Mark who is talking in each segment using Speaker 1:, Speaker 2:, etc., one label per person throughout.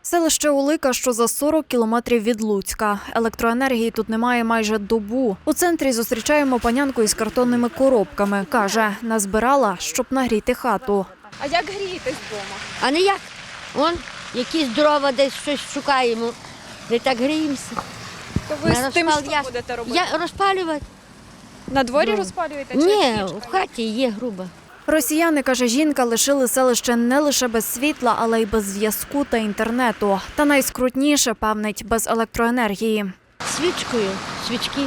Speaker 1: Селище Улика, що за 40 кілометрів від Луцька. Електроенергії тут немає майже добу. У центрі зустрічаємо панянку із картонними коробками. Каже, назбирала, щоб нагріти хату.
Speaker 2: А як грієтесь вдома?
Speaker 3: А не як? Вон, якісь дрова десь щось шукаємо. Де так гріємося.
Speaker 2: То ви з тим, що
Speaker 3: Я-
Speaker 2: будете робити?
Speaker 3: Я розпалювати?
Speaker 2: На дворі розпалюєте? Чи
Speaker 3: Ні,
Speaker 2: свічками?
Speaker 3: в хаті є груба.
Speaker 1: Росіяни, каже жінка, лишили селище не лише без світла, але й без зв'язку та інтернету. Та найскрутніше, певнить, без електроенергії.
Speaker 3: Свічкою, свічки.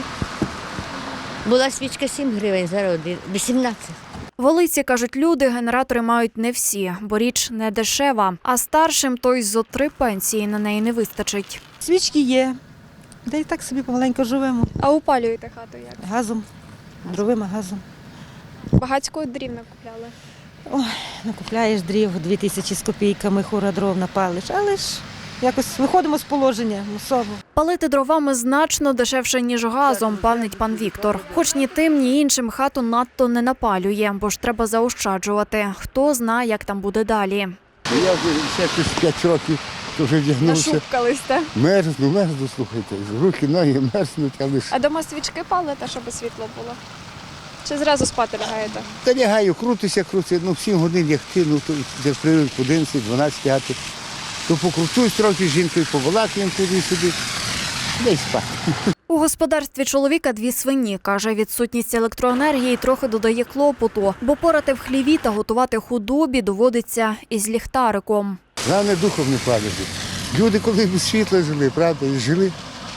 Speaker 3: Була свічка 7 гривень, зараз 18.
Speaker 1: В Олиці, кажуть люди, генератори мають не всі, бо річ не дешева. А старшим то й зо 3 пенсії на неї не вистачить.
Speaker 4: Свічки є, де і так собі помаленьку живемо.
Speaker 2: А опалюєте хату як?
Speaker 4: Газом, дровим газом.
Speaker 2: Багацького дрів накупляли?
Speaker 4: Накупляєш дрів 2000 з копійками, хура дров напалиш, але ж якось виходимо з положення мусово.
Speaker 1: Палити дровами значно дешевше, ніж газом, певнить пан Віктор. Хоч ні тим, ні іншим хату надто не напалює, бо ж треба заощаджувати. Хто знає, як там буде далі.
Speaker 5: Я вже ще 5 років вже вдягнувся.
Speaker 2: Нашупкались, так?
Speaker 5: Мерзну, слухайте. Руки, ноги мерзнуть, але ж.
Speaker 2: А дома свічки палите, щоб світло було? Чи зразу спати лягаєте?
Speaker 5: Та лягаю, крутися, ну 7 годин лягти, ну то як привик по 11-12 лягати. То покручусь трохи з жінкою, побалакаємо туди-сюди, де й спати.
Speaker 1: У господарстві чоловіка 2 свині. Каже, відсутність електроенергії трохи додає клопоту, бо порати в хліві та готувати худобі доводиться із ліхтариком.
Speaker 5: Головне духом не падати. Люди, коли без світла жили, правда, і жили.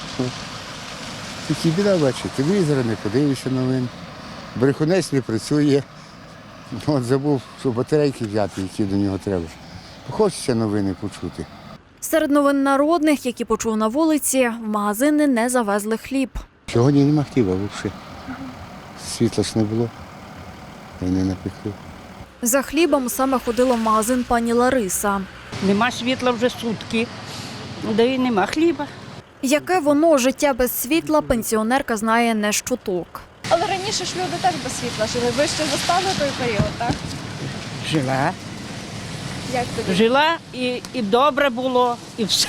Speaker 5: Тільки біда, бачите, телевізора не подивишся новин, брехунець не працює. От забув, що батарейки взяти, які до нього треба. Хочеться новини почути.
Speaker 1: Серед новин народних, які почув на вулиці, в магазини не завезли хліб.
Speaker 5: Сьогодні нема хліба взагалі. Світла ж не було, і не напекли.
Speaker 1: За хлібом саме ходила в магазин пані Лариса.
Speaker 6: Нема світла вже сутки, де і нема хліба.
Speaker 1: Яке воно життя без світла, пенсіонерка знає не щуток.
Speaker 2: Але раніше ж люди теж без світла жили. Ви ще застали той період, так?
Speaker 6: Жила.
Speaker 2: Як тобі?
Speaker 6: Жила і добре було, і все.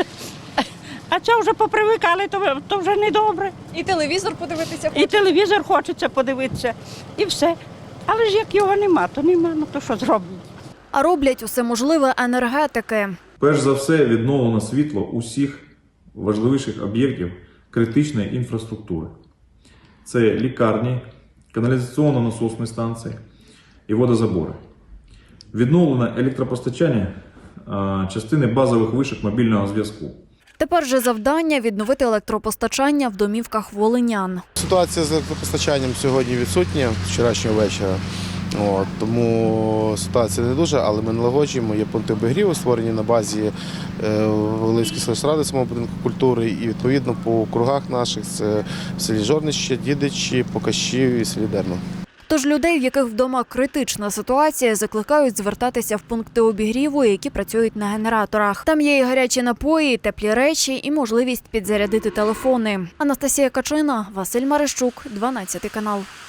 Speaker 6: А це вже попривикали, то вже не добре.
Speaker 2: І телевізор подивитися
Speaker 6: І
Speaker 2: хочете?
Speaker 6: телевізор хочеться подивитися, і все. Але ж як його нема, то нема, ну то що зроблять?
Speaker 1: А роблять усе можливе енергетики.
Speaker 7: Перш за все, відновлено світло усіх важливіших об'єктів критичної інфраструктури. Це лікарні, каналізаційно-насосні станції і водозабори. Відновлено електропостачання частини базових вишок мобільного зв'язку.
Speaker 1: Тепер же завдання – відновити електропостачання в домівках волинян.
Speaker 8: Ситуація з електропостачанням сьогодні відсутня з вчорашнього вечора. Тому ситуація не дуже, але ми налагоджуємо. Є пункти обігріву, створені на базі Волинської сільради, самого будинку культури. І відповідно по округах наших це в селі Жорнище, Дідичі, Покащів і селі Дерно.
Speaker 1: Тож людей, в яких вдома критична ситуація, закликають звертатися в пункти обігріву, які працюють на генераторах. Там є і гарячі напої, і теплі речі, і можливість підзарядити телефони. Анастасія Качина, Василь Марищук, 12 канал.